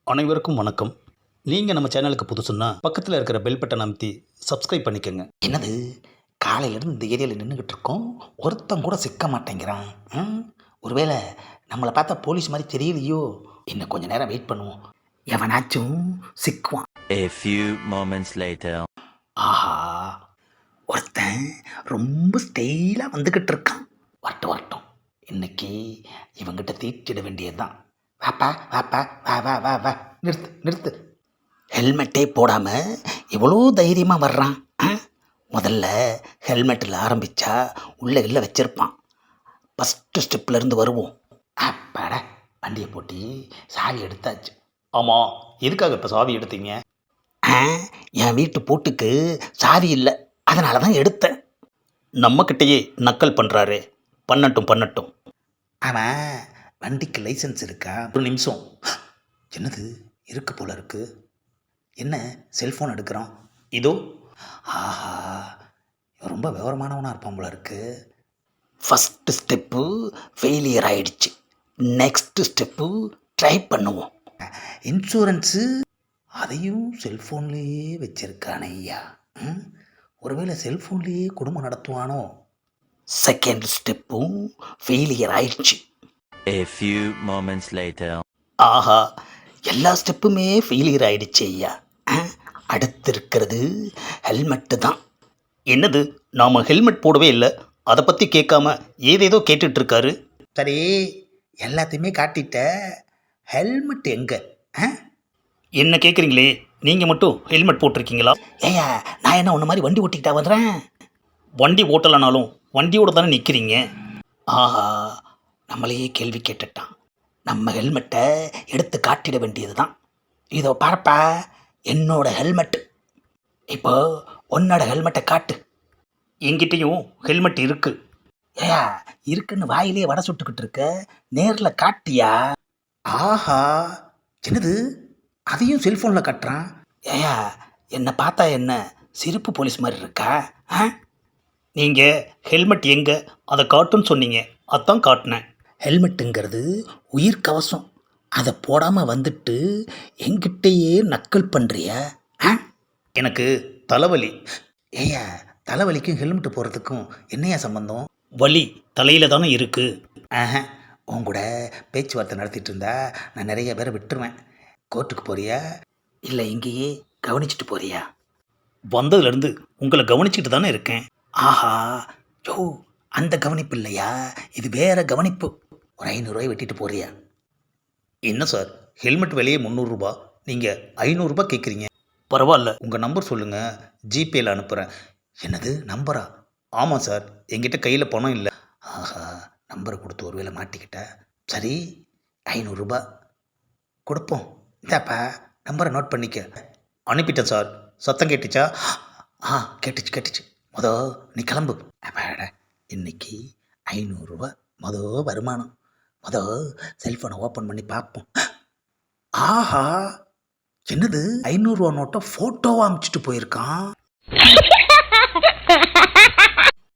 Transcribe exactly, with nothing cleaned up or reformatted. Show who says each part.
Speaker 1: அனைவருக்கும் வணக்கம். நீங்கள் நம்ம சேனலுக்கு புதுசுன்னா பக்கத்தில் இருக்கிற பெல் பட்டன் அமைத்தி சப்ஸ்கிரைப் பண்ணிக்கோங்க.
Speaker 2: என்னது காலையிலேருந்து இந்த ஏரியாவில் நின்றுக்கிட்டு இருக்கோம், ஒருத்தன் கூட சிக்க மாட்டேங்கிறான். ம், ஒருவேளை நம்மளை பார்த்தா போலீஸ் மாதிரி தெரியலையோ? இன்னும் கொஞ்ச நேரம் வெயிட் பண்ணுவோம், எவனாச்சும் சிக்குவான்.
Speaker 3: A few moments later.
Speaker 2: ஆஹா, ஒருத்தன் ரொம்ப ஸ்டைலாக வந்துக்கிட்டு இருக்கான். வரட்டும் வரட்டும், இன்னைக்கு இவங்கிட்ட தீட்டிட வேண்டியது தான். வாப்பா வாப்பா வா வா வா வா நிறுத்து நிறுத்து. ஹெல்மெட்டே போடாமல் எவ்வளோ தைரியமாக வர்றான். ஆ? முதல்ல ஹெல்மெட்டில் ஆரம்பித்தா உள்ளே இல்லை வச்சிருப்பான். ஃபஸ்ட்டு ஸ்டெப்லேருந்து வருவோம். அப்பாடா, வண்டியை போட்டி சாவி எடுத்தாச்சு.
Speaker 1: ஆமாம், எதுக்காக இப்போ சாவி எடுத்தீங்க?
Speaker 2: ஆ, என் வீட்டு பூட்டுக்கு சாவி இல்லை, அதனால தான் எடுத்தேன்.
Speaker 1: நம்மக்கிட்டேயே நக்கல் பண்ணுறாரு. பண்ணட்டும் பண்ணட்டும்.
Speaker 2: அவன் வண்டிக்கு லைசன்ஸ் இருக்கா?
Speaker 1: ஒரு நிமிஷம்.
Speaker 2: என்னது இருக்கு போல இருக்கு. என்ன செல்ஃபோன் எடுக்கிறான்?
Speaker 1: இதோ.
Speaker 2: ஆஹா, இவன் ரொம்ப விவரமானவனாக இருப்பான் போல இருக்கு. ஃபஸ்ட்டு ஸ்டெப்பு ஃபெயிலியர் ஆயிடுச்சு. நெக்ஸ்ட்டு ஸ்டெப்பு ட்ரை பண்ணுவோம். இன்சூரன்ஸு அதையும் செல்ஃபோன்லேயே வச்சிருக்கானே ஐயா. ம், ஒருவேளை செல்ஃபோன்லேயே குடும்பம் நடத்துவானோ? செகண்ட் ஸ்டெப்பும் ஃபெயிலியர் ஆயிடுச்சு.
Speaker 3: A few moments later.
Speaker 2: ஆஹா, எல்லா ஸ்டெப்புமே ஃபெயிலியர் ஆயிடுச்சு ஐயா. ஆ, அடுத்து இருக்கிறது ஹெல்மெட்டு தான்.
Speaker 1: என்னது, நாம் ஹெல்மெட் போடவே இல்லை, அதை பற்றி கேட்காம ஏதேதோ கேட்டுட்ருக்காரு.
Speaker 2: சரி, எல்லாத்தையுமே காட்டிட்ட, ஹெல்மெட் எங்கே? ஆ,
Speaker 1: என்ன கேட்குறீங்களே, நீங்கள் மட்டும் ஹெல்மெட் போட்டிருக்கீங்களா?
Speaker 2: ஏயா, நான் என்ன உன்ன மாதிரி வண்டி ஓட்டிக்கிட்டா வந்துடுறேன்?
Speaker 1: வண்டி ஓட்டலைனாலும் வண்டியோட தானே நிற்கிறீங்க.
Speaker 2: ஆஹா, நம்மளையே கேள்வி கேட்டுட்டான். நம்ம ஹெல்மெட்டை எடுத்து காட்டிட வேண்டியது தான். இதோ பாருப்பா, என்னோட ஹெல்மெட்டு. இப்போ உன்னோட ஹெல்மெட்டை காட்டு.
Speaker 1: என்கிட்டயும் ஹெல்மெட் இருக்குது.
Speaker 2: ஏயா, இருக்குன்னு வாயிலே வடை சுட்டுக்கிட்டு இருக்க, நேரில் காட்டியா? ஆஹா, என்னது அதையும் செல்ஃபோனில் காட்டுறான். ஏயா, என்னை பார்த்தா என்ன சிரிப்பு போலீஸ் மாதிரி இருக்கா? ஆ,
Speaker 1: நீங்கள் ஹெல்மெட் எங்கே அதை காட்டுன்னு சொன்னீங்க, அதான் காட்டினேன்.
Speaker 2: ஹெல்மெட்டுங்கிறது உயிர் கவசம், அதை போடாமல் வந்துட்டு எங்கிட்டயே நக்கல் பண்ணுறியா? ஆ,
Speaker 1: எனக்கு தலைவலி.
Speaker 2: ஏயா, தலைவலிக்கும் ஹெல்மெட்டு போடுறதுக்கும் என்னையா சம்பந்தம்?
Speaker 1: வலி தலையில் தானே இருக்குது.
Speaker 2: ஆஹா, உன் கூட பேச்சுவார்த்தை நடத்திட்டு இருந்தா நான் நிறைய பேரை விட்டுருவேன். கோர்ட்டுக்கு போறியா இல்லை இங்கேயே கவனிச்சிட்டு போறியா?
Speaker 1: வந்ததுலேருந்து உங்களை கவனிச்சிட்டு தானே இருக்கேன்.
Speaker 2: ஆஹா, யோ, அந்த கவனிப்பு இல்லையா, இது வேற கவனிப்பு. ஒரு ஐநூறுரூவாய் வெட்டிட்டு போறியா?
Speaker 1: என்ன சார், ஹெல்மெட் விலையே முந்நூறுரூபா, நீங்கள் ஐநூறுரூபா கேட்குறீங்க. பரவாயில்ல, உங்கள் நம்பர் சொல்லுங்கள், ஜிபேயில் அனுப்புகிறேன்.
Speaker 2: என்னது நம்பரா?
Speaker 1: ஆமாம் சார், என்கிட்ட கையில் பணம் இல்லை.
Speaker 2: ஆஹா, நம்பரை கொடுத்து ஒரு வேளை மாட்டிக்கிட்ட. சரி, ஐநூறுரூபா கொடுப்போம். இந்தாப்பா, நம்பரை நோட் பண்ணிக்க.
Speaker 1: அனுப்பிட்டேன் சார். சத்தம் கேட்டுச்சா?
Speaker 2: ஆ, கேட்டுச்சு கேட்டுச்சு. மொத நீ கிளம்பு. அப்பாடா, இன்னைக்கு ஐநூறுரூவா மொத வருமானம். மொத செல்ஃபோனை ஓப்பன் பண்ணி பார்ப்போம். ஆஹா, என்னது ஐநூறுரூவா நோட்டை ஃபோட்டோவாக அனுப்பிச்சிட்டு போயிருக்கான்.